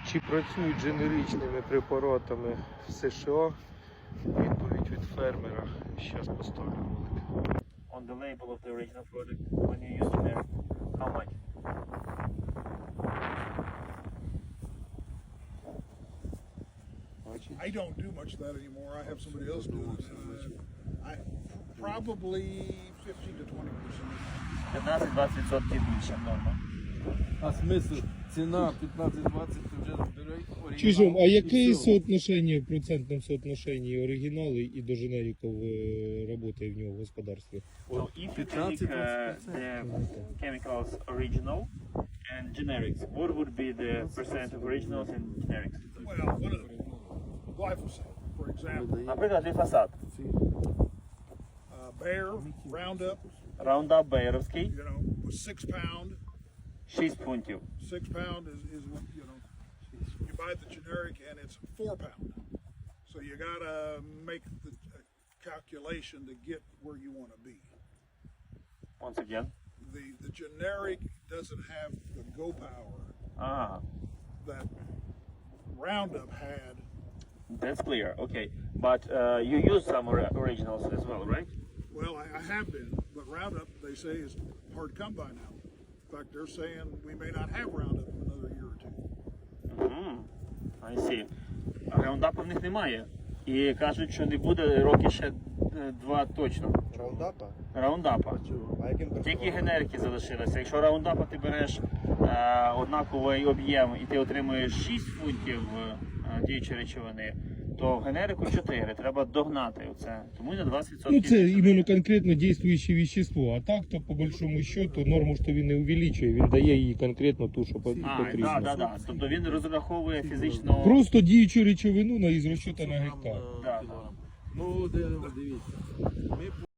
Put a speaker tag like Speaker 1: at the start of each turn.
Speaker 1: Чи працюють дженеричними препаратами в США? Відповідь від фермера. Зараз поставлю ролик.
Speaker 2: On the label of the original product, when you use generic, how much?
Speaker 3: I don't do much of that anymore. I have somebody else do it. I probably 15 to 20%.
Speaker 2: 15-20% більше норма.
Speaker 4: А смисл? Ціна 15-20 ти вже збирай оригінал.
Speaker 1: Чужом, а яке
Speaker 4: і все.
Speaker 1: соотношення, в процентному соотношенні оригінали і до женериків працює в нього в господарстві?
Speaker 2: So if you take the chemicals original and generics, what would be the percent of originals and generics?
Speaker 3: Well, one of them, glyphosate, for example,
Speaker 2: Наприклад, гліфосат.
Speaker 3: Bayer, Roundup,
Speaker 2: Roundup Бейеровський,
Speaker 3: you know, was 6 pound.
Speaker 2: 6 фунтів.
Speaker 3: 6 pound is you know, you buy the generic and it's 4 pound. So you gotta make the calculation to get where you want to be.
Speaker 2: Once again.
Speaker 3: The generic doesn't have the go power
Speaker 2: Ага.
Speaker 3: that Roundup had.
Speaker 2: That's clear. Okay. But you use some originals as well, right?
Speaker 3: Well, I have been, but Roundup, they say, is hard to come by now. In fact, they're saying we may not have Roundup in another year or two.
Speaker 2: I see. Раундапа в них немає. І кажуть, що не буде роки ще 2 точно.
Speaker 5: Раундапа?
Speaker 2: Раундапа.
Speaker 5: А яким
Speaker 2: Тільки генерики залишилися. Якщо раундапа ти береш однаковий об'єм і ти отримуєш 6 фунтів діючої речовини, то в генерику 4. Треба догнати оце. Тому на 20%.
Speaker 1: Ну це іменно конкретно діюче вещество. А так, то по большому счету норму ж то він не увеличує, він дає їй конкретно ту, що потрібно.
Speaker 2: Так. Тобто він розраховує фізично.
Speaker 1: Просто діючу речовину із розчету на гектар.
Speaker 2: Да.
Speaker 4: Ну, дивіться. Ми